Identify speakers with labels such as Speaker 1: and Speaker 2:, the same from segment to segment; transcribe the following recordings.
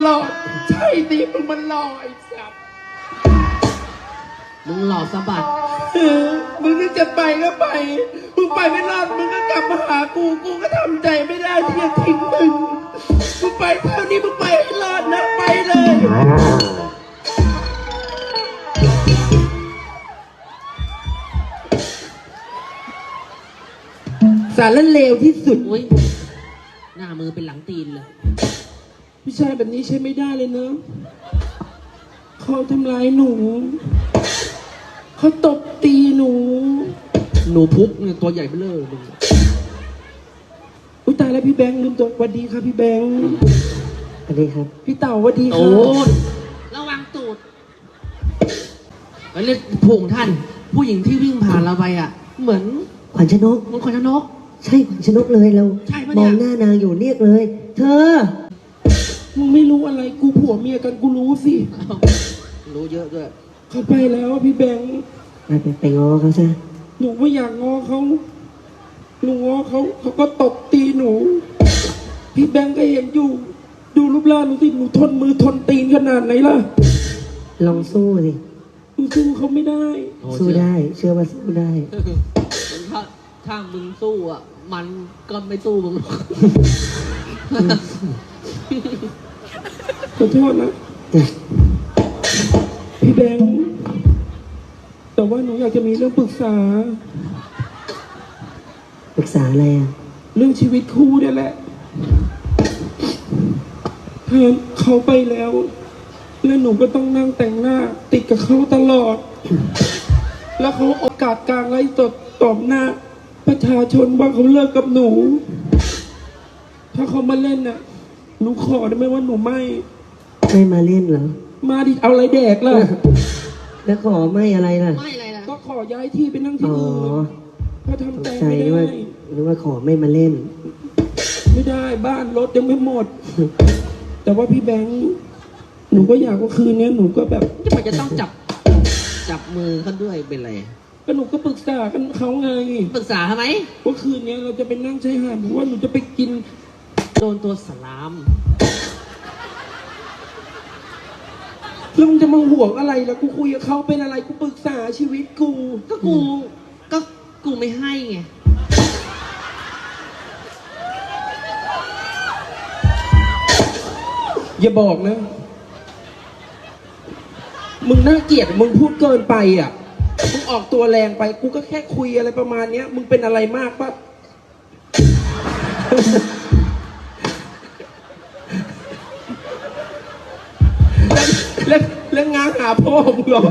Speaker 1: หล่อใช่สิมึงมันหล่อไอ้สัส
Speaker 2: มึงหล่อสะบัด
Speaker 1: มึงนึกจะไปก็ไปมึงไปไม่รอดมึงก็กลับมาหากูก็ทำใจไม่ได้ที่จะทิ้งมึงไปเท่านี้มึงไปให้รอดนะไปเลยสารเลวที่สุด
Speaker 2: อุ้ยหน้ามือเป็นหลังตีนเลย
Speaker 1: ผู้ชายแบบนี้ใช้ไม่ได้เลยเนอะเขาทำร้ายหนูเขาตบตีหนู
Speaker 2: พุกเนี่ยตัวใหญ่เบ้อเลย
Speaker 1: อุ้ยตายแล้วพี่แบงค์ลืมตัวสวัสดีครับพี่แบงค์
Speaker 3: สวัสดีครับ
Speaker 1: พี่เต่าสวัสดีครับ
Speaker 2: โอ้ระวังตูดแล้วเรียกผู้ของท่านผู้หญิงที่วิ่งผ่านเราไปอ่ะเหมือน
Speaker 3: ขวัญชนก
Speaker 2: ขวัญชนก
Speaker 3: ใช่ขวัญชนกเลยเรามองหน้านางอยู่เรียกเลยเธอ
Speaker 1: มึงไม่รู้อะไรกูผัวเมียกันกูรู้สิ
Speaker 2: รู้เยอะด้วย
Speaker 1: เขาไปแล้วพี่แบงค์
Speaker 3: ไปง้อเขาซะ
Speaker 1: หนูไม่อยากง้อเขาหนูง้อเขาก็ตบตีหนูพี่แบงค์ก็เห็นอยู่ดูรูปร่างหนูสิหนูทนมือทนตีนขนาดไหนล่ะ
Speaker 3: ลองสู้สิ
Speaker 1: หนูสู้เขาไม่ได้
Speaker 3: สู้ได้เชื่อว่าสู้ได้
Speaker 2: ถ้ามึงสู้อ่ะมันก็ไม่สู้มึง
Speaker 1: ขอโทษนะพี่แบงค์แต่ว่าหนูอยากจะมีเรื่องปรึกษา
Speaker 3: อะไรอ่ะ
Speaker 1: เรื่องชีวิตคู่นี่แหละเขาไปแล้วหนูก็ต้องนั่งแต่งหน้าติดกับเขาตลอดแล้วเขาโอกาสกลางไล่สดตอบหน้าประชาชนว่าเขาเลิกกับหนูถ้าเขามาเล่นน่ะหนูขอได้ไหมว่าหนูไม่
Speaker 3: มาเล่นเหรอ
Speaker 1: มาดิเอาอะไรแดกล่ะ
Speaker 3: แล้วขอไม่อะไรล่ะ
Speaker 2: ไม่อะไรล่ะ
Speaker 1: ก็ขอย้ายที่ไปนั่งที่อื่นเพราะทำใจไม่ได้
Speaker 3: หรือว่าขอไม่มาเล่น
Speaker 1: ไม่ได้บ้านรถยังไม่หมดแต่ว่าพี่แบงค์หนูก็อยากว่าคืนนี้หนูก็แบบ
Speaker 2: มันจะต้องจับมือเขาด้วยเป็นไร
Speaker 1: ก็หนูก็ปรึกษากันเขาไง
Speaker 2: ปรึกษาทำไม
Speaker 1: ว่าคืนนี้เราจะไปนั่งชายหาดหรือว่าหนูจะไปกิน
Speaker 2: โดนตัวสลาม
Speaker 1: แล้วมึงจะมาห่วงอะไรล่ะกูคุยกับเขาเป็นอะไรกูปรึกษาชีวิตกู
Speaker 2: กูไม่ให้ไง
Speaker 1: อย่าบอกนะมึงน่าเกลียดมึงพูดเกินไปอ่ะมึงออกตัวแรงไปกูก็แค่คุยอะไรประมาณเนี้ยมึงเป็นอะไรมากปะแล้วงานหาพ่อมึงหรอ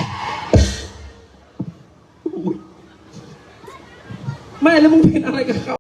Speaker 1: ไม่แล้วมึงเป็นอะไรกับเขา